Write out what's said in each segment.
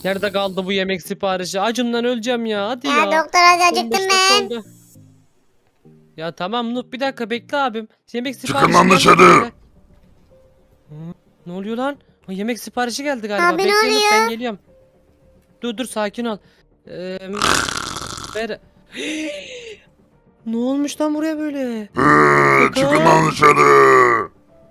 Nerede kaldı bu yemek siparişi? Acımdan öleceğim ya. Hadi Ya ya. doktor hadi 15 acıktım dakika ben. oldu. Ya tamam Nuh bir dakika bekle abim. Yemek Çıkın siparişi lan gelmedi dışarı. bize. Hı, ne oluyor lan? Ha, yemek siparişi geldi galiba. Abi ne Bekle Nuh ben oluyor? geliyorum. Dur sakin ol. Ee, ver. Ne olmuş lan buraya böyle? Çıkın Sakar. lan dışarı.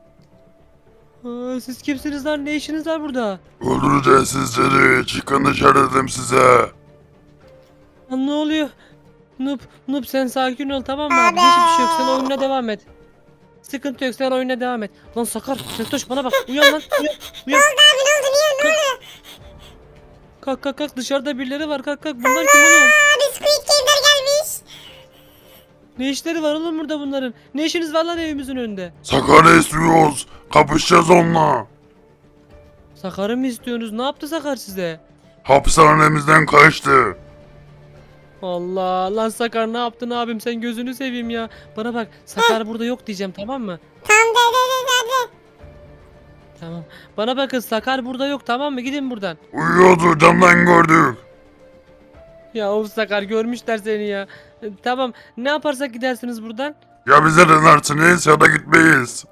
Siz kimsiniz lan? Ne işiniz var burada? Öldüreceğiz sizleri. Çıkın dışarı dedim size. Lan ne oluyor? Noob sen sakin ol tamam mı abi? Abi. Hiçbir şey yok sen oyununa devam et. Sıkıntı yok sen oyununa devam et. Lan Sakar Keltoş bana bak uyan lan uyan Ne uyan. oldu abi ne oldu niye ne oldu? Kalk dışarıda birileri var kalk bunlar kim oğlum? Abi Squid Game'ler gelmiş. Ne işleri var oğlum burada bunların? Ne işiniz var lan evimizin önünde? Sakar'ı istiyoruz. Kapışacağız onunla. Sakar'ı mı istiyorsunuz? Ne yaptı Sakar size? Hapishanemizden kaçtı. Allah lan Sakar ne yaptın abim sen gözünü seveyim ya. Bana bak Sakar burada yok diyeceğim tamam mı? Tamam de. Tamam. Bana bakın Sakar burada yok tamam mı? Gidin buradan. Uyuyordu camdan gördük. Ya of Sakar görmüşler seni ya. Tamam ne yaparsak gidersiniz buradan. Ya bize dinlersiniz ya da gitmeyiz.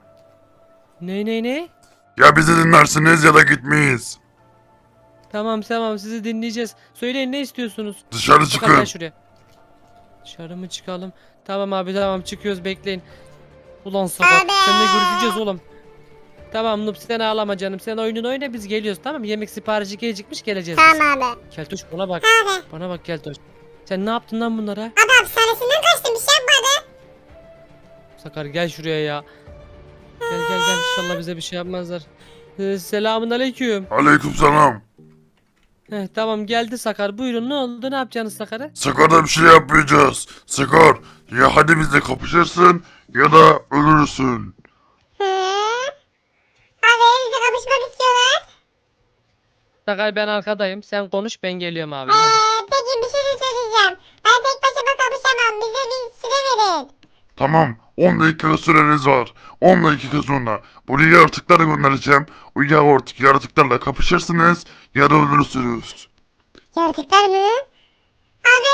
Ne? Ya bizi dinlersiniz ya da gitmeyiz. Tamam sizi dinleyeceğiz. Söyleyin ne istiyorsunuz? Dışarı Sakar gel çıkın. şuraya. Dışarı mı çıkalım? Tamam abi tamam çıkıyoruz bekleyin. Ulan Sakar Abi. seninle görüşeceğiz oğlum. Tamam Nup sen ağlama canım sen oyununu oyna biz geliyoruz tamam mı? Yemek siparişi gecikmiş geleceğiz biz. Tamam abi. Keltoş bana bak. Abi. Bana bak Keltoş. Sen ne yaptın lan bunlara? Abi hapishanesinden kaçtım bir şey yapmadı. Sakar gel şuraya ya. Gel inşallah bize bir şey yapmazlar. Selamun aleyküm. Aleykümselam. Tamam geldi Sakar buyurun ne oldu ne yapacaksınız Sakar'a? Sakar'da bir şey yapmayacağız. Sakar ya hadi bizle kapışırsın ya da ölürsün. Hı? Abi evde kapışmak istiyorlar. Sakar ben arkadayım sen konuş ben geliyorum abi. Peki bir şey de söyleyeceğim. Ben tek başıma kapışamam. Bize bir süre verin. Tamam 10 dakika süreniz var. 10 dakika sonra buraya yaratıkları göndereceğim. O yaratıklarla kapışırsınız ya da ölürsünüz. Yaratıklar mı? Abi.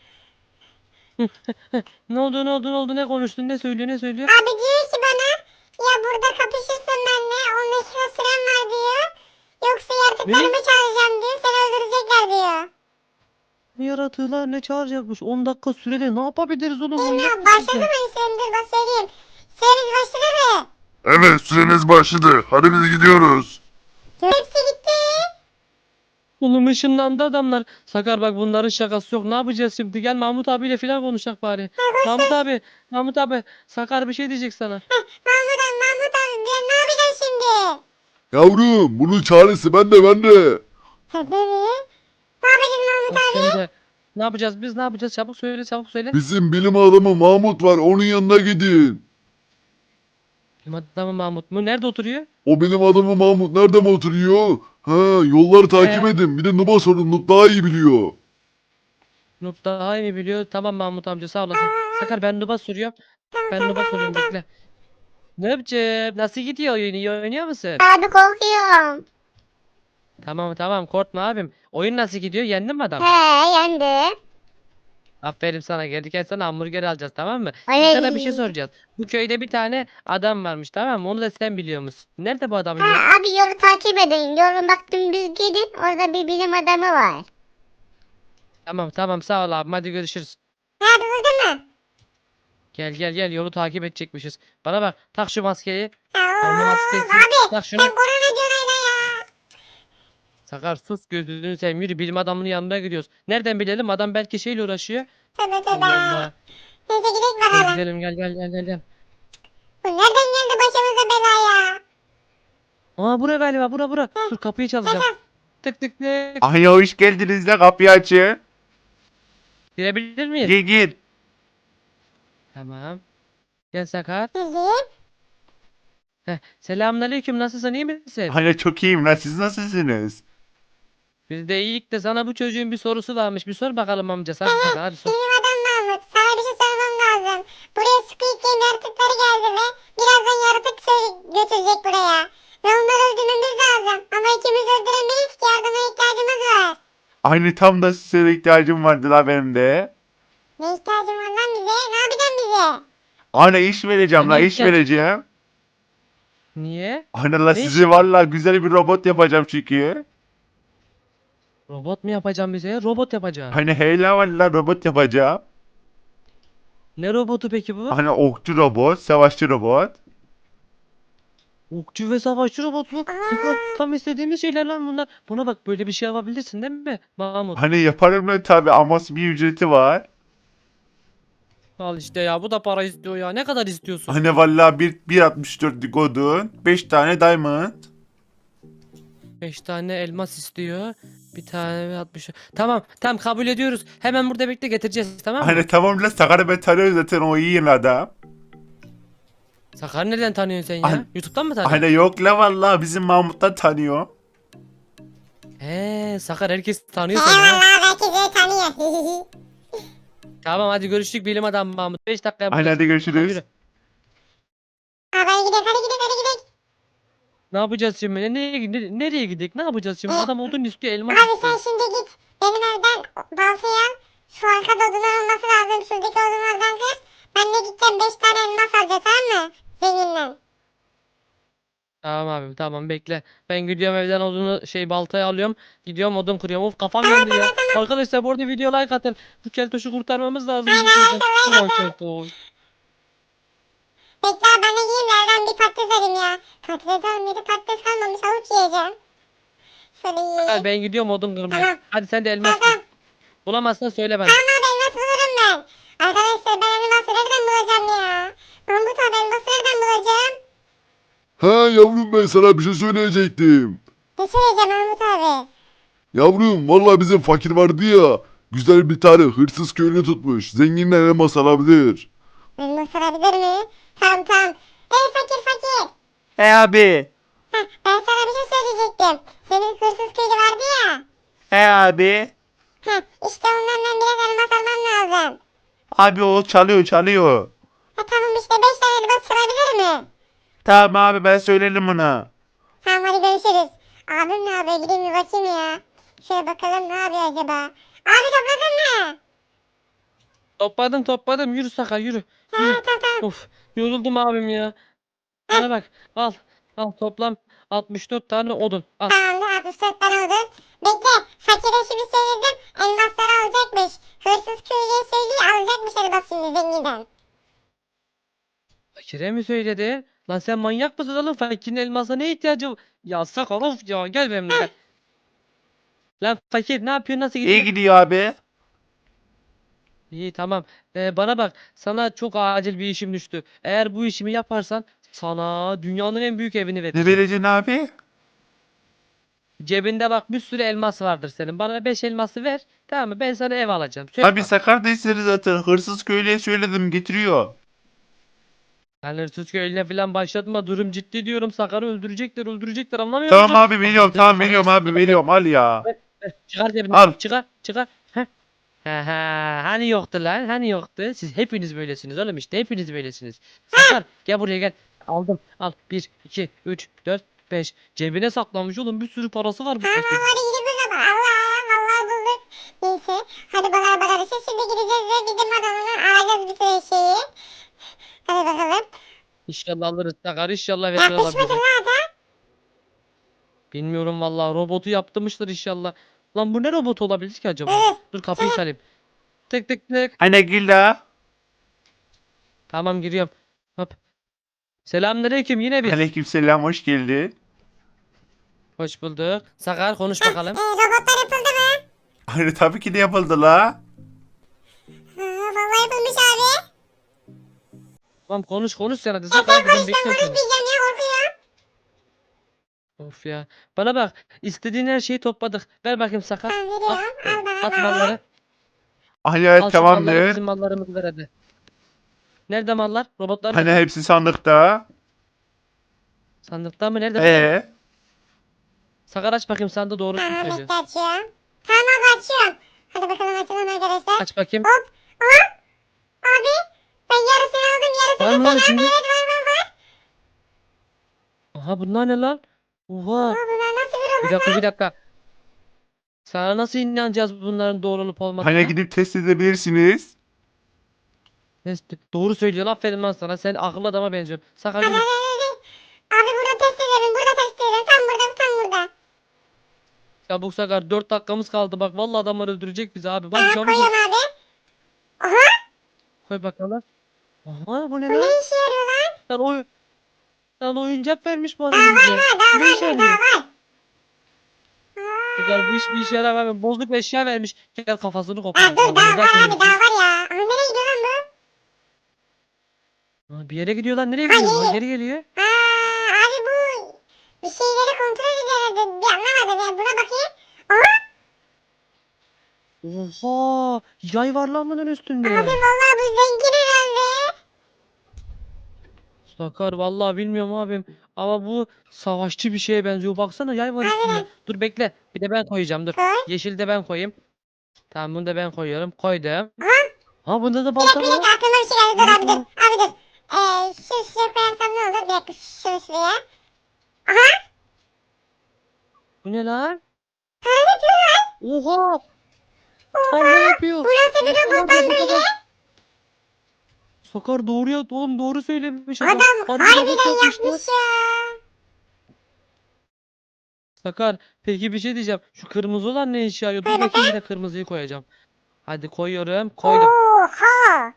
Ne oldu ne konuştun ne söylüyor? Abi diyor ki bana ya burada kapışırsın benimle 10 dakika süren var diyor. Yoksa yaratıklarımı çağıracağım diyor. Seni öldürecekler diyor. Ne yaratığı lan ne çağıracakmış 10 dakika sürede ne yapabiliriz oğlum Bilmiyorum manyak başladı mısın mı sürendir bak söyleyeyim. Süreniz başladı mı? Evet süreniz başladı. Hadi biz gidiyoruz. Hepsi gitti. Oğlum ışınlandı adamlar. Sakar bak bunların şakası yok. Ne yapacağız şimdi? Gel Mahmut abiyle falan konuşak bari. Mahmut abi. Sakar bir şey diyecek sana. Mahmut abi ben ne yapacağım şimdi? Yavrum bunun çaresi bende. Benim. Ne yapacağız Mahmut Bak abi? sen de. Ne yapacağız biz? Ne yapacağız? Çabuk söyle. Bizim bilim adamı Mahmut var onun yanına gidin. Benim adamım Mahmut mu? Nerede oturuyor? O benim adamı Mahmut nerede mi oturuyor? Ha yolları takip edin. Bir de Nub'a sorun. Nub daha iyi biliyor. Nup daha iyi biliyor. Tamam Mahmut amca sağ olasın. Sakar ben Nup'a soruyorum. Ben Nup'a soruyorum bekle. Nup'cığım nasıl gidiyor oyun? İyi oynuyor musun? Abi korkuyorum. Tamam korkma abim. Oyun nasıl gidiyor? Yendin mi adam? He yendi. Aferin sana gelirken sana hamburger alacağız tamam mı? Ay. Sana bir şey soracağız. Bu köyde bir tane adam varmış tamam mı? Onu da sen biliyor musun? Nerede bu adamın yeri? Abi yolu takip edin. Yolun bak dümdüz gidin. Orada bir bilim adamı var. Tamam sağ ol abim hadi görüşürüz. Abi buldun mu? Gel yolu takip edecekmişiz. Bana bak tak şu maskeyi. Aa, Alnı maskesi. Abi Tak sen şunu. korona diyorsun hala ya. Sakar sus gözünü seveyim yürü bilim adamının yanına gidiyoruz. Nereden bilelim adam belki şeyle uğraşıyor. Tövbe tövbe. Allah Allah. Neyse gidelim Gel bakalım. gidelim gel. Bu nereden geldi başımıza bela ya? Aa bura galiba bura. Dur kapıyı çalacağım. Tık. Ay hoş geldiniz de kapıyı açın. Girebilir miyiz? Gir. Tamam. Gel Sakar. Gidin. Selamünaleyküm nasılsın iyi misin? Hani çok iyiyim lan siz nasılsınız? Biz de iyilik de sana bu çocuğun bir sorusu varmış. Bir sor bakalım amca. Hadi sor. Bilim adam Mahmut. Sana bir şey sormam lazım. Buraya Squid Game yaratıkları geldi ve birazdan yaratık götürecek buraya. Ve onları öldürmemiz lazım. Ama ikimiz öldüremeyiz ki yardıma ihtiyacımız Aynı tam da size ihtiyacım vardı la benim de. Ne ihtiyacın var lan bize? Ne yapacaksın bize? Ana iş vereceğim la Ne iş ihtiyaç? vereceğim. Niye? Ana la Ne iş? sizi valla güzel bir robot yapacağım çünkü. Robot mu yapacağım bize? Robot yapacağım. Hani heyla valla robot yapacağım. Ne robotu peki bu? Hani okçu robot, savaşçı robot. Okçu ve savaşçı robot mu? Sakar, tam istediğimiz şeyler lan bunlar. Buna bak, böyle bir şey yapabilirsin değil mi Mahmut? Hani yaparım lan tabi ama bir ücreti var. Al işte ya, bu da para istiyor ya. Ne kadar istiyorsun? Hani valla 1.64'lük odun, 5 tane diamond. 5 tane elmas istiyor. Bir tane ve 60. Tamam tamam, kabul ediyoruz. Hemen burada bekle, getireceğiz, tamam mı? Hani tamam la Sakar'ı ben tanıyorum zaten o iyi adam. Sakar nereden tanıyorsun sen ya? An- YouTube'dan mı tanıyorsun? Hani yok la valla bizim Mahmut'tan tanıyor. He, Sakar herkes tanıyor seni ha. Eyvallah herkes beni tanıyor. Tamam hadi görüştük bilim adamı Mahmut. 5 dakikaya Hani buradayız. hadi görüşürüz. Yürü. Hadi gidelim hadi gidelim hadi gidelim. Ne yapacağız şimdi? Nereye gidelim? Ne yapacağız şimdi? Adam odun istiyor, elmas Abi sen istiyor. şimdi git. Benim evden baltayı al. Şu arkada odunlar olması lazım. Şuradaki odunlardan kır. Ben de gideceğim 5 tane elmas alacağım, tamam mı? Zenginden. Tamam abi, tamam bekle. Ben gidiyorum evden odunu baltayı alıyorum. Gidiyorum odun kırıyorum. Of, kafam yandı ya. Arkadaşlar bu arada video like atın. Bu keltoşu kurtarmamız lazım. bu şeyden. Ulan keltoş. Bekle abi, ben de gideyim de evden bir patates alayım ya. Patates almaydı, patates kalmamış, avuç yiyeceğim. Şöyle Hadi yiyeyim. ben gidiyorum odun kırmaya. Tamam. Hadi sen de elmas Tamam. kır. Bulamazsan söyle bana. Tamam abi, elmas bulurum ben. Arkadaşlar ben elması nereden bulacağım ya? Mahmut abi, elması nereden bulacağım? Ha yavrum, ben sana bir şey söyleyecektim. Ne söyleyeceğim Mahmut abi? Yavrum vallahi bizim fakir vardı ya. Güzel bir tane hırsız köylü tutmuş. Zenginden elmas alabilir. Elmas alabilir mi? Tamam tamam. Ey fakir fakir. He abi. Heh, ben sana bir şey söyleyecektim. Senin hırsız köylü vardı ya. He abi. Heh, işte ondan ben biraz elmas almam lazım. Abi o çalıyor. Ha tamam, işte 5 tane elmas çalabilir mi? Tamam abi ben söylerim ona. Tamam hadi görüşürüz. Abim ne yapıyor, gideyim bir bakayım ya. Şöyle bakalım ne yapıyor acaba. Abi topladın mı? Topladım. Yürü Sakar, yürü. Ha Yürü. tamam tamam. Of, yoruldum abim ya. Bana bak. Al. Al, toplam 64 tane odun. Al. Tamamdır, 64 tane oldu. Bekle, fakire şimdi söyledim. Elmasları alacakmış. Hırsız köylüye söylüyor, alacakmış elmas şimdi zenginden. Fakire mi söyledi? Lan sen manyak mısın oğlum? Fakirin elmasa ne ihtiyacı var? Ya Sakar, of ya, gel benimle gel. Lan fakir, ne yapıyorsun, nasıl gidiyor? İyi gidiyor abi. İyi, tamam. Bana bak, sana çok acil bir işim düştü. Eğer bu işimi yaparsan sana dünyanın en büyük evini Ne vereceğim. vereceksin abi? Cebinde bak bir sürü elmas vardır senin. Bana 5 elması ver. Tamam mı? Ben sana ev alacağım. Söz Abi bak. Sakar da istedi zaten. Hırsız köylüye söyledim getiriyor. Lan hırsız köylüne falan başlatma. Durum ciddi diyorum. Sakar'ı öldürecekler. Anlamıyor Tamam musun? abi veriyorum tamam veriyorum abi veriyorum al ya. Ver, çıkar cebinden. Al. Çıkar. Heh. Hani yoktu lan? Hani yoktu? Siz hepiniz böylesiniz oğlum, işte hepiniz böylesiniz. Sakar, gel buraya gel. Aldım. Al. 1, 2, 3, 4, 5. Cebine saklamış oğlum. Bir sürü parası var bu Tamam fakirin. hadi gidip o zaman. Allah vallahi bulduk. Neyse hadi bakalım. Şimdi gideceğiz ve bizim adamını alacağız bir sürü şeyi. Hadi bakalım. İnşallah alırız Sakar. İnşallah verir Yapışmadın alabiliriz. lan adam. Bilmiyorum vallahi, robotu yaptırmışlar inşallah. Lan bu ne robot olabilir ki acaba? Dur kapıyı çalayım. Tık tık tık. Hani gel la. Tamam, giriyorum. Hop. Selamünaleyküm, yine bir. Aleykümselam hoş geldin. Hoş bulduk. Sakar, konuş bakalım. Robotlar yapıldı mı? Hani tabii ki de yapıldı la. Vallahi yapılmış abi. Tamam, konuş sen hadi. Sakar, ben bekliyorum seni. Konuşmayacağım ya, korkuyorum. Of ya. Bana bak, istediğin her şeyi topladık. Ver bakayım Sakar. Tamam Al, veriyorum. Al bana. at malları. Hani Al şu malları, tamamdır. bizim mallarımızı ver hadi. Nerede mallar? Robotlar Hani nerede? hepsi sandıkta. Sandıkta mı? Nerede? Sakar, aç bakayım, sandığı doğru Tamam söylüyor. bekle, açıyorum. Tamam abi açıyorum. Hadi bakalım açalım arkadaşlar. Aç bakayım. Hop. Aha. Abi. Ben yarısını aldım, Var yarısını mı lan sen içinde? aldın. Evet var. Aha, bunlar ne lan? Oha. Aa, bunlar nasıl bir robot? Bir dakika. Sana nasıl inanacağız bunların doğru olup olmadığına? Hani gidip test edebilirsiniz. Doğru söylüyor. Aferin lan sana. Sen akıllı adama benziyorsun. Sakar Hadi yürü. hadi hadi. Abi burada test edelim. Burada test edelim. Tam burada tam burada. Çabuk Sakar. 4 dakikamız kaldı. Bak vallahi adamlar öldürecek bizi abi. Bak Tamam çabuk. koyuyorum abi. Aha Koy bakalım. Aha bu ne bu ne lan? işe yarıyor lan? Lan oyuncak vermiş bana Daha var bize. ha daha Ne işe var dur yarıyor? daha var. Sakar bu iş bir işe yaramıyor. Bozuk eşya vermiş. Gel kafasını Ha kopar. dur daha var Zaten abi daha var ya. Aha nereye gidiyor lan bu? Ha, bir yere gidiyor lan. Nereye Ha, gidiyor? Ha, geri. geri geliyor. Ha abi bu bir şeyleri kontrol ediyor herhalde. Bir anlamadım yani buna bakayım. Aha Oha! Yay var lan bunun üstünde. abi vallahi bu zengin herhalde. Sakar vallahi bilmiyorum abim. Ama bu savaşçı bir şeye benziyor. Baksana yay var üstünde. Aynen. Dur bekle. Bir de ben koyacağım dur. Koy. Yeşil de ben koyayım. Tamam bunu da ben koyuyorum. Koydum. Aha. Ha bunda da Bir balta dakika var. aklıma bir şey geldi dur abi dur. Abi dur. Şuraya koyarsam ne olur? Bir dakika şuraya. Aha. Bu ne lan? Ha ne yapıyor lan? Oha! Lan ne yapıyor? Bu nasıl bir Oha, robot lan bu böyle? kadar- Sakar doğru ya oğlum doğru söylemiş Adam Harbi robot harbiden yapmışlar. yapmış ya. Sakar peki bir şey diyeceğim. Şu kırmızı olan ne işe yarıyor? Dur Koy bakayım yine kırmızıyı koyacağım. Hadi koyuyorum. Koydum. Oha.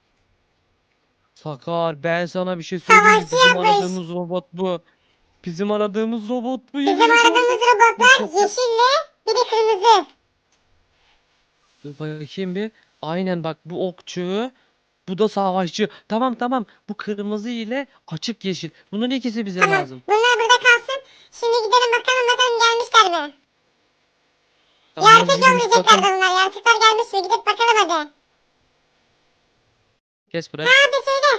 Sakar ben sana bir şey söyleyeyim mi? Savaşçı Bizim yapmış. aradığımız robot bu. Bizim aradığımız robot bu. Bizim yemin ediyorum. aradığımız robotlar yeşille bir de kırmızı. Dur bakayım bir. Aynen bak bu okçu. Bu da savaşçı. Tamam tamam. Bu kırmızı ile açık yeşil. Bunun ikisi bize Tamam lazım. bunlar burada kalsın. Şimdi gidelim bakalım gelmişler mi? Tamam, Yaratık yürü git yollayacaklardı bakalım. bunlar. Yaratıklar gelmiş mi? Gidip bakalım hadi. Kes bırak. Hadi söyle.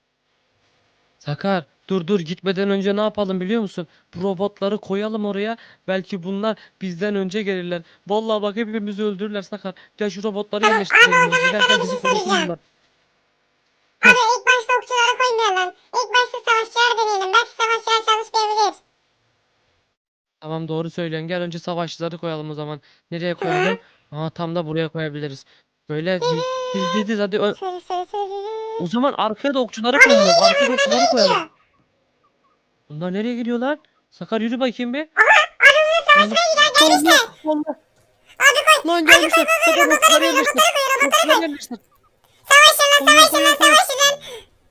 Sakar dur gitmeden önce ne yapalım biliyor musun? Bu robotları koyalım oraya. Belki bunlar bizden önce gelirler. Vallahi bak hepimizi öldürürler Sakar. Gel şu robotları Tamam, yerleştirelim. ama o zaman Giderken sana bir bizi şey korusun söyleyeceğim. bunlar. Abi ilk başta okçulara koymayalım. İlk başta savaşçılar deneyelim. Belki savaşçılar çalışmayabilir. Tamam doğru söylüyorsun. Gel önce savaşçıları koyalım o zaman. Nereye koyalım? Aa tam da buraya koyabiliriz. Böyle biz hadi. Söyle. O zaman arkaya da okçuları koyalım. Arkaya da okçuları koyalım. Bunlar nereye gidiyorlar? Sakar yürü bakayım bir. Allah. Allah. Abi koy. Lan gelmişler. Sakar okçuları yerleştir. Okçuları yerleştir. Savaşın lan Koyun, savaşın lan koyun, koyun. savaşın lan.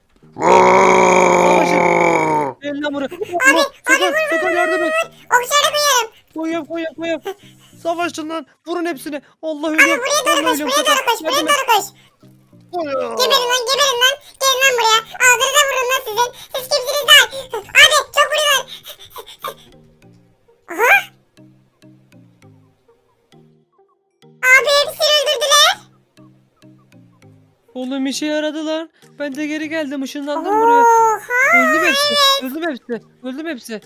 Aaaaaa! Gel lan buraya. Allah. Sakar yardım et. Okçuları koyuyorum. Koyuyorum. Savaşın lan. Vurun hepsini. Allah ölüyorum. Buraya doğru Allah koş. ölüyorum Buraya Sakar. doğru koş. Buraya Yardım et. doğru koş. Geberin lan. Gelin lan buraya. Ağzınıza vurun lan sizin. Siz kimsiniz lan? Abi çok vuruyorlar. Aha. Abi hepsini öldürdüler. Oğlum işe yaradı lan. Ben de geri geldim. Işınlandım buraya. Oha. Öldüm hepsi.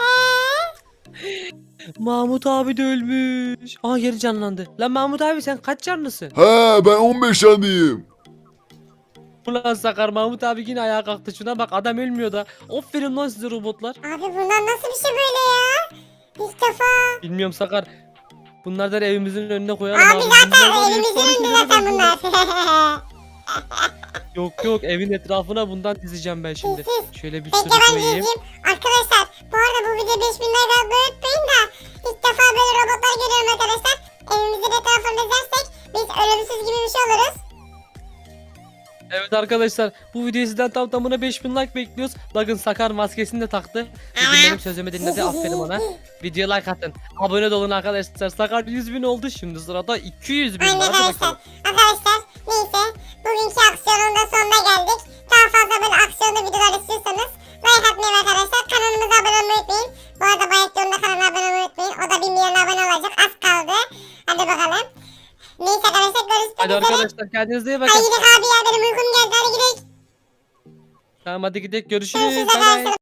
Mahmut abi de ölmüş. Aa geri canlandı. Lan Mahmut abi sen kaç canlısın? He ben 15 yanıyım. Ulan Sakar Mahmut abi yine ayağa kalktı. Şuna bak adam ölmüyor da. Aferin lan size robotlar. Abi bunlar nasıl bir şey böyle ya? İlk defa. Bilmiyorum Sakar. Bunlardan evimizin önüne koyalım Abi zaten Bunlar var ya, elimizin efsane önünde şeylere zaten benziyorlar. bunlar. Yok evin etrafına bundan dizeceğim ben şimdi. Şöyle bir Peki sürü ben koyayım. diyeceğim. Arkadaşlar bu arada bu video 5000 like atmayı unutmayın da ilk defa böyle robotlar görüyorum arkadaşlar. Evimizin etrafını dizersek biz ölümsüz gibi bir şey oluruz. Evet arkadaşlar bu videoyu sizden tam tamına 5000 like bekliyoruz. Bakın Sakar maskesini de taktı. Bugün benim sözümü dinledi aferin ona. Videoya like atın. Abone de olun arkadaşlar. Sakar 100.000 oldu şimdi sırada 200.000 Aynen var. Hadi arkadaşlar. bakalım. Arkadaşlar neyse bugünkü aksiyonun da sonuna geldik. Daha fazla böyle aksiyonlu videolar istiyorsanız like atmayı ve arkadaşlar kanalımıza abone olmayı unutmayın. Bu arada Bayektion'un da kanalına abone olmayı unutmayın. O da 1 milyon abone olacak. Az kaldı. Hadi bakalım. Neyse arkadaşlar görüşmek Hadi üzere. arkadaşlar kendinize iyi bakın. Hadi gidelim abi ya benim uykum geldi. Hadi gidelim. Tamam hadi gidelim görüşürüz. Görüşürüz Bay bay. arkadaşlar.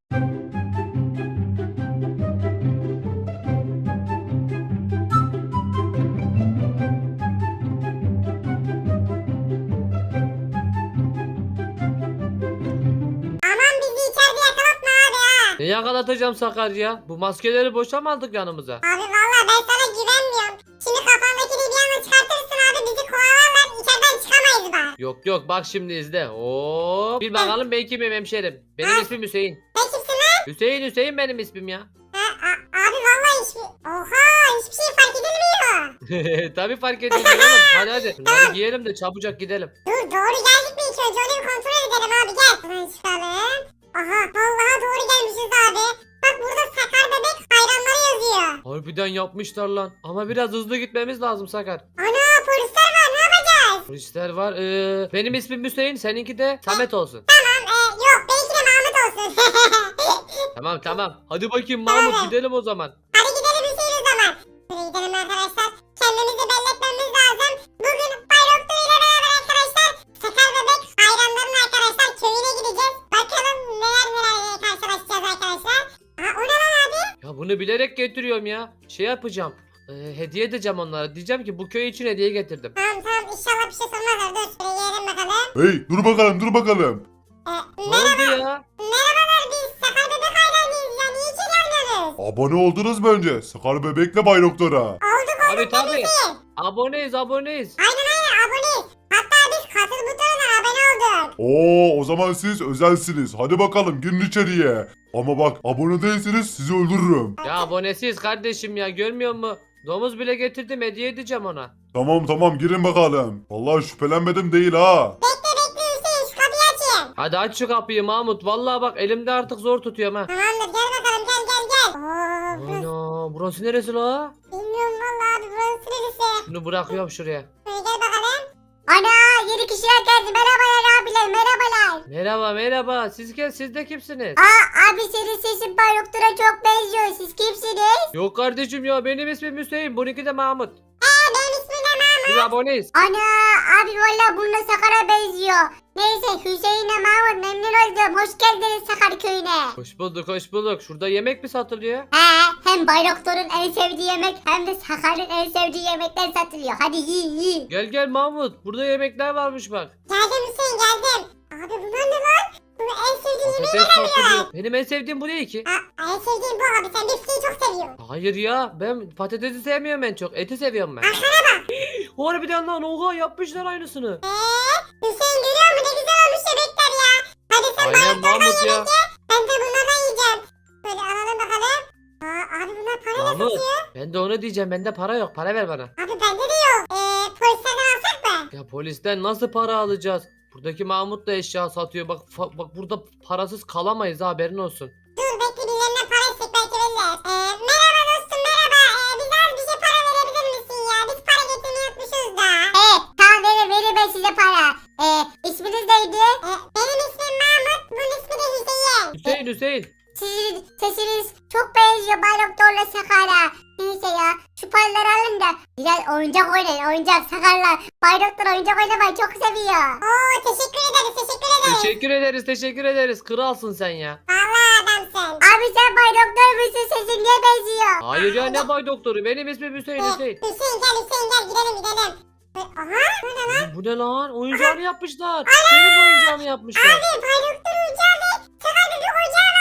Aman bizi içeride yakalatma abi ha. Ne yakalatacağım Sakar ya? Bu maskeleri boşa mı aldık yanımıza? Abi valla ben sana güvenmiyorum. Şimdi kafandakini bir anda çıkartırsın abi bizi kovalarlar içeriden çıkamayız bak. Yok yok bak şimdi izle. Oo. Bir bakalım ben kimim hemşerim. Benim ismim Hüseyin. Sen kimsin lan? Hüseyin benim ismim ya. Abi vallahi hiçbir şey fark edilmiyor. Tabii fark ediyorsun oğlum. Hadi. Bunları giyelim de çabucak gidelim. Dur doğru geldik mi ilk önce onu bir kontrol edelim abi gel. Buradan çıkalım. Aha vallahi doğru gelmişiz abi. Bak burada Sakar Bebek hayranları yazıyor. Harbiden yapmışlar lan. Ama biraz hızlı gitmemiz lazım Sakar. Ana polisler var ne yapacağız? Polisler var. Benim ismim Hüseyin. Seninki de Samet olsun. Yok benimki de Mahmut olsun. Tamam. Hadi bakayım Mahmut gidelim o zaman. Hadi gidelim Hüseyin o zaman. Şuraya gidelim arkadaşlar. Kendimizi belli etmemiz lazım. Bugün Bay Doktor ile beraber arkadaşlar Sakar Bebek hayranlarının arkadaşlar köyüne gideceğiz. Bakalım nelerle karşılaşacağız arkadaşlar. Aa o ne lan abi? Ya bunu bilerek getiriyorum ya. Şey yapacağım. Hediye edeceğim onlara. Diyeceğim ki bu köy için hediye getirdim. Tamam inşallah bir şey sormazlar. Dur şuraya girelim bakalım. Hey dur bakalım. Ne oldu ya? Merhabalar biz Sakar Bebek hayranıyız ya. Niye içeri almıyorsunuz? Abone oldunuz mu önce? Sakar Bebek'le Bay Doktor'a. Olduk Tabii. tabii. Aboneyiz. Aynen aboneyiz. Hatta biz katıl butonuna abone olduk. Oo, o zaman siz özelsiniz. Hadi bakalım girin içeriye. Ama bak abone değilseniz sizi öldürürüm. Ya abonesiyiz kardeşim ya. Görmüyor musun? Domuz bile getirdim. Hediye edeceğim ona. Tamam girin bakalım. Vallahi şüphelenmedim değil ha. Bekle Hüseyin şu kapıyı açayım. Hadi aç şu kapıyı Mahmut. Vallahi bak elimde artık zor tutuyorum ha. Tamamdır gel bakalım gel. Oo burası. Ana burası neresi la? Bilmiyorum valla abi burası neresi? Şunu bırakıyorum şuraya. Şöyle gel bakalım. Ana yeni kişiler geldi. Merhabalar abiler merhabalar. Merhaba. Siz de kimsiniz? Abi senin sesin Bay Doktor'a çok benziyor. Siz kimsiniz? Yok kardeşim ya benim ismim Hüseyin. Bununki de Mahmut. Benim ismim de Mahmut. Biz aboneyiz. Ana abi valla bununla Sakar'a benziyor. Neyse Hüseyin'le Mahmut memnun oldum. Hoş geldiniz Sakar köyüne. Hoş bulduk. Şurada yemek mi satılıyor? Hem Bay Doktor'un en sevdiği yemek hem de Sakar'ın en sevdiği yemekler satılıyor. Hadi yiyin. Gel Mahmut. Burada yemekler varmış bak. Geldim Hüseyin geldim. Abi bunlar ne lan? Bu en sevdiğim yemeği Patates satılıyor. Benim en sevdiğim bu değil ki. en sevdiğim bu abi sen bifteyi çok seviyorsun. Hayır ya ben patatesi sevmiyorum en çok. Eti seviyorum ben. Arkana bak. Harbiden lan oha yapmışlar aynısını. Hüseyin görüyor musun ne güzel olmuş yemekler ya. Hadi sen Aynen bayraklardan Mahmut ya. yemek ye. Ben de bunlardan yiyeceğim. Böyle alalım bakalım. Abi bunlar para ne Mahmut satıyor? ben de onu diyeceğim. Bende para yok. Para ver bana. Abi bende de yok. Polislerden alsak mı? Ya polisten nasıl para alacağız? Buradaki Mahmut da eşya satıyor. Bak burada parasız kalamayız ha, haberin olsun. Dur bekle birilerinden para istek belki verirler. Merhaba dostum merhaba. Bize az bir şey para verebilir misin ya? Biz para getirmeyi unutmuşuz da. Tamam verin ben size para. İsminiz neydi? Benim ismim Mahmut. Bunun ismi de Hüseyin. Hüseyin. Sizin sesiniz çok benziyor Bay Doktor'la Sakar'a. Neyse ya şu paraları alın da biraz oyuncak oynayın oyuncak Sakar'la. Bay Doktor oyuncak oynamayı çok seviyor. Oo teşekkür ederiz. Teşekkür ederiz. Kralsın sen ya. Vallahi adamsın. Abi sen Bay Doktor musun sesin niye benziyor? Hayır ya ne bay doktoru? Benim ismim Hüseyin. Hüseyin gel gidelim. Aha bu ne lan? Bu ne lan? Oyuncağını yapmışlar. Benim oyuncağımı yapmışlar. Bay Doktor oyuncağı ve Sakar Bebek oyuncağı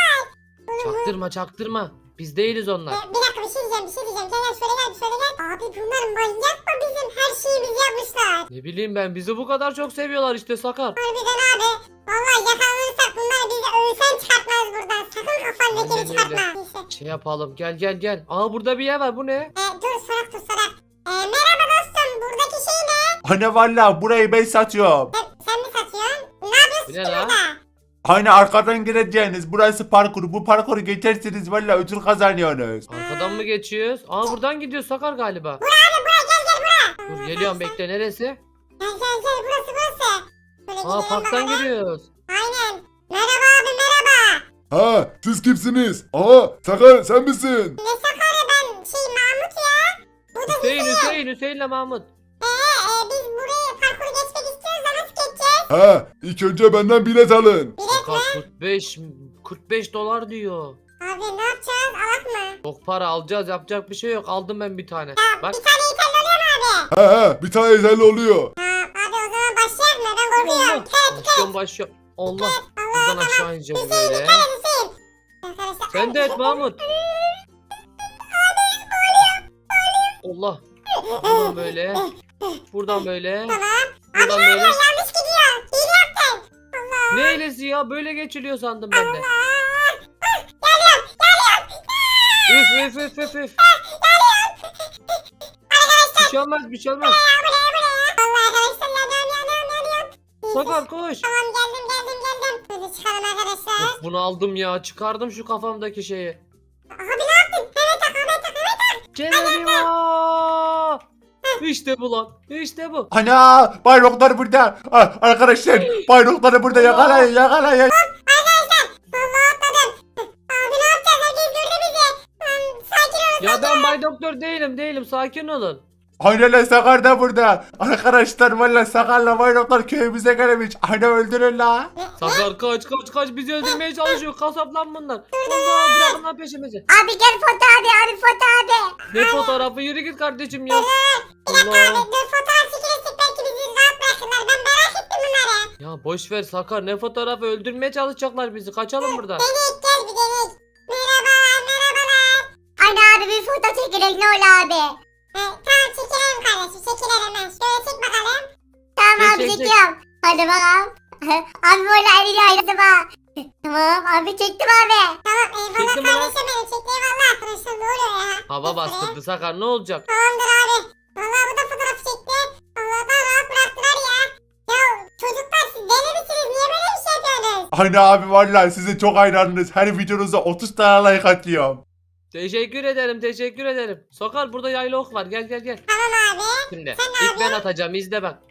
var. Çaktırma. Biz değiliz onlar. Bir dakika bir şey diyeceğim. Gel şöyle gel. Abi bunlar manyak mı bizim her şeyimizi yapmışlar. Ne bileyim ben, bizi bu kadar çok seviyorlar işte Sakar. Harbiden abi. Vallahi yakalanırsak bunlar bizi ölsen çıkartmaz buradan. Sakın kafandakini Aynen öyle. çıkartma. Neyse. Şey yapalım, gel. Aa burada bir yer var, bu ne? Dur sorak. Merhaba dostum. Buradaki şey ne? Ana valla burayı ben satıyorum. Sen mi satıyorsun? Ne yapıyorsun Bu ne ki lan? burada? Hani arkadan gireceğiniz burası parkur. Bu parkuru geçerseniz valla ödül kazanıyorsunuz. Arkadan mı geçiyoruz? Aa buradan gidiyoruz Sakar galiba. Abi gel. Dur geliyorum, bekle, neresi? Gel burası. Böyle Aa gidelim parktan bakalım. giriyoruz. Aynen. Merhaba abi merhaba. Ha, siz kimsiniz? Aa, Sakar sen misin? Ne Sakar'ı ben Mahmut ya. Bu da Hüseyin'le Mahmut. biz buraya parkuru geçmek istiyoruz da nasıl geçeceğiz? Ha, ilk önce benden bilet alın. Sakar 45 dolar diyor. Abi ne yapacağız? Alak mı? Çok para alacağız, yapacak bir şey yok. Aldım ben bir tane. Ya Bak bir tane yeterli oluyor mu abi? Ha, bir tane yeterli oluyor. Abi o zaman başlayalım mı? Ben korkuyorum. başlıyorum. Allah. Buradan aşağı ineceğiz böyle. Hüseyin. Arkadaşlar. Sen de et Mahmut. Allah. Buradan böyle. Buradan böyle. Tamam. Buradan böyle. Yanlış gidiyor. Hile yaptın. Allah. Ne hilesi ya? Böyle geçiliyor sandım ben de. Üf üf üf üf üf. Bir şey olmaz, bir şey olmaz. Allah arkadaşlar yanıyorum. Sakar koş. Tamam geldim. Hadi çıkalım arkadaşlar. Of, bunu aldım ya. Çıkardım şu kafamdaki şeyi. Abi ne yaptın? Evet tak. Geronimo! İşte bu lan. İşte bu. Ana Bay Doktor burada. Ah, arkadaşlar Bay Doktor'u burada yakalayın. Vallahi atladım. Abi ne yapacağız? Herkes gördü bizi. Sakin olun. Ya ben Bay Doktor değilim. Sakin olun. Aynen lan Sakar da burada. Arkadaşlar valla Sakar'la Bay Doktor köyümüze gelmiş. Ana öldürün la. Sakar kaç. Bizi öldürmeye çalışıyor. Kasap lan bunlar. Allah bırakın lan peşimizi. Abi gel foto abi. Ne fotoğrafı? Yürü git kardeşim ya. Bir dakika Allah. abi. Dur fotoğraf çekilecek. Belki bizi rahat bırakırlar. Ben merak ettim bunları. Ya boş ver Sakar. Ne fotoğrafı? Öldürmeye çalışacaklar bizi. Kaçalım buradan. Denek gel bir denek. Merhabalar. Ana abi bir foto çekilelim ne olur abi. Tamam çekilelim kardeşim. Çekilelim hemen. Şöyle çek bakalım. Tamam abi Çek. çekiyorum. Hadi bakalım. Abi böyle eliyle ayırdım ha. Tamam abi çektim abi. Tamam eyvallah Çektim mi lan? kardeşim benim. Çekti eyvallah. Arkadaşlar ne oluyor ya? Hava bastırdı Sakar. Ne olacak? Tamamdır abi. Vallahi bu da fotoğraf çekti. Allah'tan rahat bıraktılar ya. Ya çocuklar siz deli misiniz? Niye böyle bir şey yapıyorsunuz? Ana abi valla size çok hayranınız. Her videonuza 30 tane like atıyorum. Teşekkür ederim. Sakar burada yaylı ok var. Gel. Tamam abi. Şimdi Sen ilk abi. ben atacağım. İzle bak.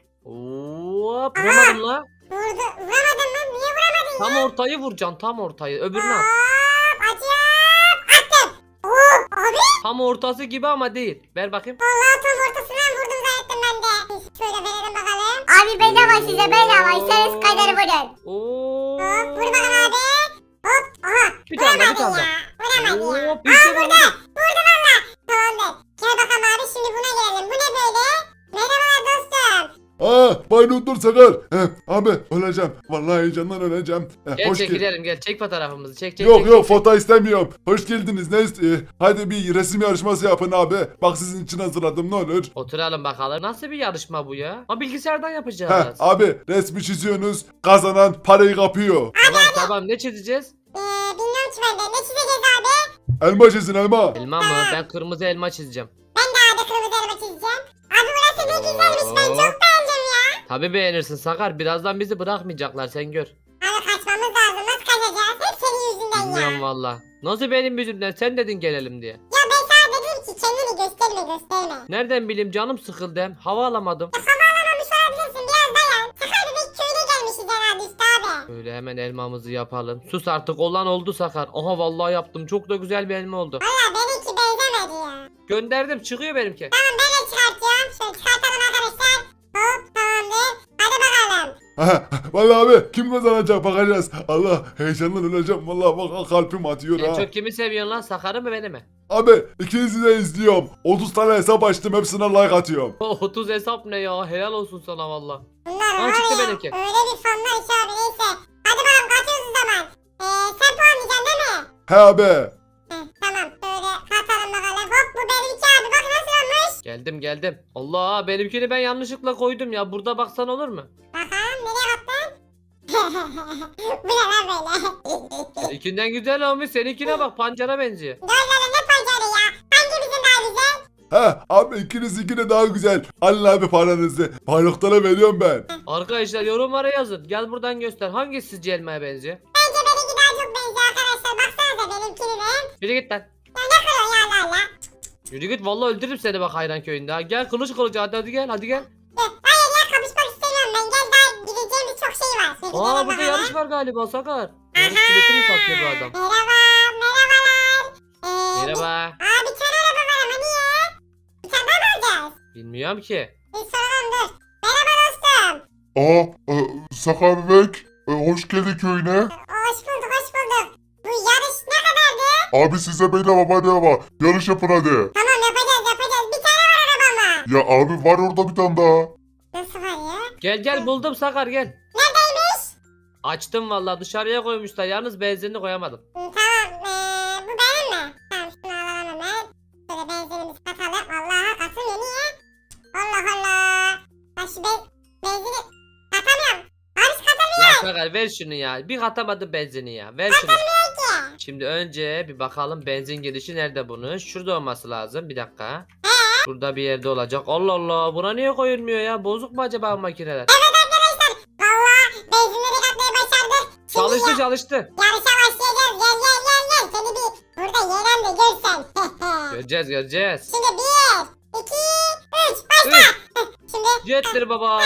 Hop. Vuramadım la. Vuramadın mı? Niye vuramadın Tam ya? ortayı vuracaksın. Tam ortayı. Öbürünü at. Hop acıyorum. Attım. Hop abi. Tam ortası gibi ama değil. Ver bakayım. Vallahi tam ortasından vurdum zannettim ben de. Şöyle verelim bakalım. Abi bedava size bedava. İsteriz kadar vurun. Oo. Hop vur bakalım abi. Hop. Aha. Bir tane daha. Vuramadın ya. Vuramadın ya. Hop. İşte bu. Vurdum valla. Tamamdır. Gel bakalım abi şimdi buna gelelim. Bu ne böyle? Merhabalar dostum. Bay Doktor Sakar. Abi öleceğim. Vallahi heyecandan öleceğim. Gel Hoş çek geldin. gidelim gel. Çek fotoğrafımızı. Çek. Yok foto istemiyorum. Hoş geldiniz. Hadi bir resim yarışması yapın abi. Bak sizin için hazırladım ne olur. Oturalım bakalım. Nasıl bir yarışma bu ya? Ama bilgisayardan yapacağız. Abi resmi çiziyorsunuz. Kazanan parayı kapıyor. Tamam. Ne çizeceğiz? Bilmiyorum ki ben de. Ne çizeceğiz abi? Elma çizin elma. Elma mı? Ben kırmızı elma çizeceğim. Ben de abi kırmızı elma çizeceğim. Abi burası ne güzelmiş. Ben çok beğendim ya. Tabii beğenirsin Sakar. Birazdan bizi bırakmayacaklar. Sen gör. Abi kaçmamız lazım. Nasıl kaçacağız? Hep senin yüzünden Bilmiyorum ya. valla. Nasıl benim yüzümden? Sen dedin gelelim diye. Ya ben sana dedim ki kendini gösterme. Nereden bileyim canım sıkıldı hem. Hava alamadım. Alamamış olabilirsin. Biraz dayan. Sakar bebek köyüne gelmişiz herhalde işte abi. Böyle hemen elmamızı yapalım. Sus artık olan oldu Sakar. Aha vallahi yaptım. Çok da güzel bir elma oldu. Valla benimki benzemedi ya. Gönderdim çıkıyor benimki. Tamam ben de çıkartıyorum. Şöyle çıkartalım arkadaşlar. Hop tamamdır. Hadi bakalım. Vallahi abi kim kazanacak bakacağız. Allah heyecandan öleceğim. Vallahi bak kalbim atıyor En ha. çok kimi seviyorsun lan? Sakar'ı mı beni mi? Abi ikinizi de izliyorum. 30 tane hesap açtım hepsine like atıyorum. 30 hesap ne ya? Helal olsun sana valla. Bunlar Aa, var çıktı ya. benimki. Öyle bir fanlar ki abi neyse. Hadi bakalım kaçıyoruz o zaman. Sen puanlayacaksın değil mi? He abi. Tamam böyle katalım bakalım. Hop bu benimki abi bak nasıl olmuş. Geldim. Allah benimkini ben yanlışlıkla koydum ya. Burada baksan olur mu? Bakalım nereye attın? Bu ne lan böyle? Seninkinden güzel olmuş. Seninkine bak pancara benziyor. Böyle ne pancarı ya? Hangimizin daha güzel? He abi ikiniz daha güzel. Alın abi paranızı. Bayraklara veriyorum ben. Arkadaşlar yorumlara yazın. Gel buradan göster. Hangisi sizce elmaya benziyor? Bence benimki daha çok benziyor arkadaşlar. Baksanıza benimkini de. Yürü git lan. Ya ne kırıyor ya Allah. Yürü git vallahi öldürürüm seni bak Hayran köyünde. Ha. Gel kılıç hadi gel. Hayır ya kapışmak istemiyorum ben. Gel daha gideceğimiz çok şey var. Şöyle Aa gidelim burada bakalım. yarış var galiba Sakar. Yarış bileti mi satıyor bu adam? Merhabalar. Merhaba. Aa bir tane araba var ama niye? Bir tane daha mı alacağız? Bilmiyorum ki. Bir soralım dur. Merhaba dostum. Sakar Bek. Hoş geldin köyüne. Hoş bulduk. Bu yarış ne kadardı? Abi size bedava. Yarış yapın hadi. Tamam yapacağız. Bir tane var araba ama. Ya abi var orada bir tane daha. Nasıl var ya? Gel buldum Sakar gel. Neredeymiş? Açtım vallahi dışarıya koymuşlar. Yalnız benzinini koyamadım. Tamam bu benim mi? Tamam şunu alalım hemen. Şöyle benzinimizi katalım. Allah'a kasa Sakar ver şunu ya. Bir katamadı benzini ya. Ver şunu. Peki. Şimdi önce bir bakalım benzin girişi nerede bunun? Şurada olması lazım. Bir dakika. Şurada bir yerde olacak. Allah Allah. Buna niye koyulmuyor ya? Bozuk mu acaba bu makineler? Valla benzinleri katmayı başardık. Şimdi Çalıştı çalıştı. yarışa başlayacağız. Gel. Seni bir burada yeğen de görsen. Göreceğiz göreceğiz. Şimdi 1, 2, 3 başla. Şimdi Jettir baba.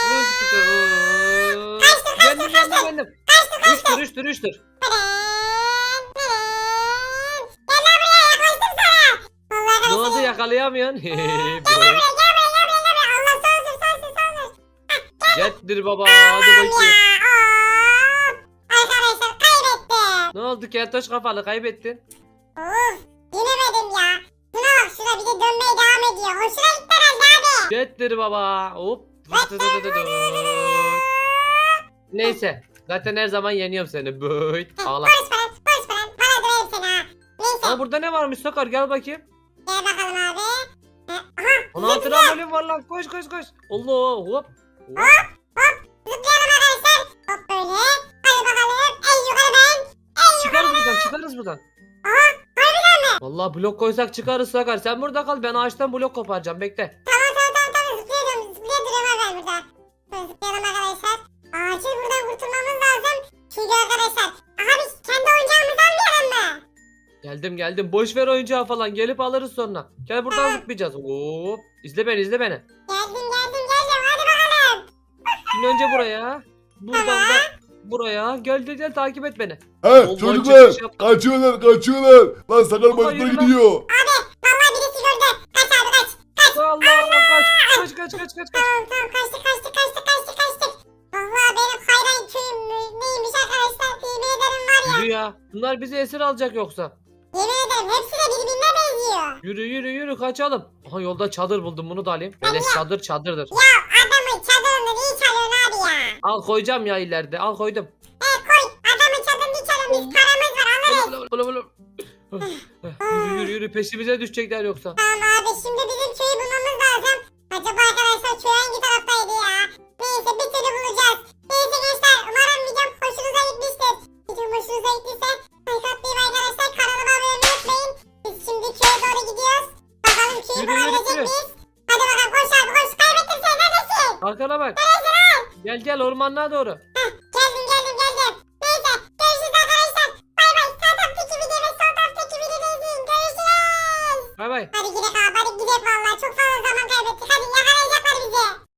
Geldim. Üçtür. Gel lan buraya yaklaştım sana. Vallahi Ne oldu arkadaşlar. yakalayamıyorsun? Gel buraya. Allah sağ olsun. Jettir baba. Hadi bakayım. Arkadaşlar kaybettim. Ne oldu keltoş kafalı kaybettin? Of yenemedim ya. Şuna bak şuna bir de dönmeye devam ediyor. Hoşuna gitti herhalde abi. Jettir baba. Hop. Neyse. Zaten her zaman yeniyorum seni. Böyt. Ağla. Boş falan. Para döverim seni ha. Neyse Aa burada ne varmış Sakar gel bakayım. gel bakalım abi. Aha 16 trambolin var lan koş. Allah hop. zıplayalım arkadaşlar. Hop böyle. Hadi bakalım. En yukarı ben. Çıkarız buradan. Vallahi blok koysak çıkarız Sakar. Sen burada kal ben ağaçtan blok koparacağım bekle. Tamam. Zıplayabilirim abi ben burada. Şöyle zıplayalım arkadaşlar. Acil buradan kurtulmamız lazım. Çünkü arkadaşlar. Aha biz kendi oyuncağımızı almayalım mı? Geldim. Boş ver oyuncağı falan. Gelip alırız sonra. Gel buradan zıplayacağız. Hop. İzle beni. Geldim. Hadi bakalım. Şimdi önce buraya. Buradan da buraya. Gel takip et beni. He Vallahi çocuklar çıkış yaptım. kaçıyorlar. Lan Sakar başına yürü lan. gidiyor. Vallahi birisi gördü. Kaç abi kaç. Allah kaç. Kaç. Tamam kaçtık. Vallahi benim hayran köyüm neymiş arkadaşlar. Yemin ederim var ya. Yürü ya. Bunlar bizi esir alacak yoksa. Yemin ederim hepsi de birbirine benziyor. Yürü kaçalım. Aha yolda çadır buldum bunu da alayım. Beleş çadırdır. Adamın çadırını niye çalıyorsun abi ya? Al koyacağım ya ileride. Al koydum. Koy. Adamın çadırını niye çalıyorsun? Biz paramız var alırız. Yürü peşimize düşecekler yoksa. Tamam abi şimdi bizim köyü bulmamız lazım. Acaba arkadaşlar köy hangi taraftaydı ya? Neyse bir türlü bulacağız. Neyse gençler umarım videom hoşunuza gitmiştir. Videom hoşunuza gittiyse like atmayı arkadaşlar kanalıma abone olmayı unutmayın. Biz şimdi köye doğru gidiyoruz. Bakalım köyü Yürü. bulabilecek miyiz? Hadi bakalım koş abi koş. Kaybettin sen neredesin? Arkana bak. Gel ormanlığa doğru. Geldim. Neyse görüşürüz arkadaşlar. Bay bay. Sağ taraftaki video ve sol taraftaki videoyu izleyin. Görüşürüz. Bay bay. Hadi gidelim abi hadi gidelim valla. Çok fazla zaman kaybettik. Hadi yakalayacaklar bizi.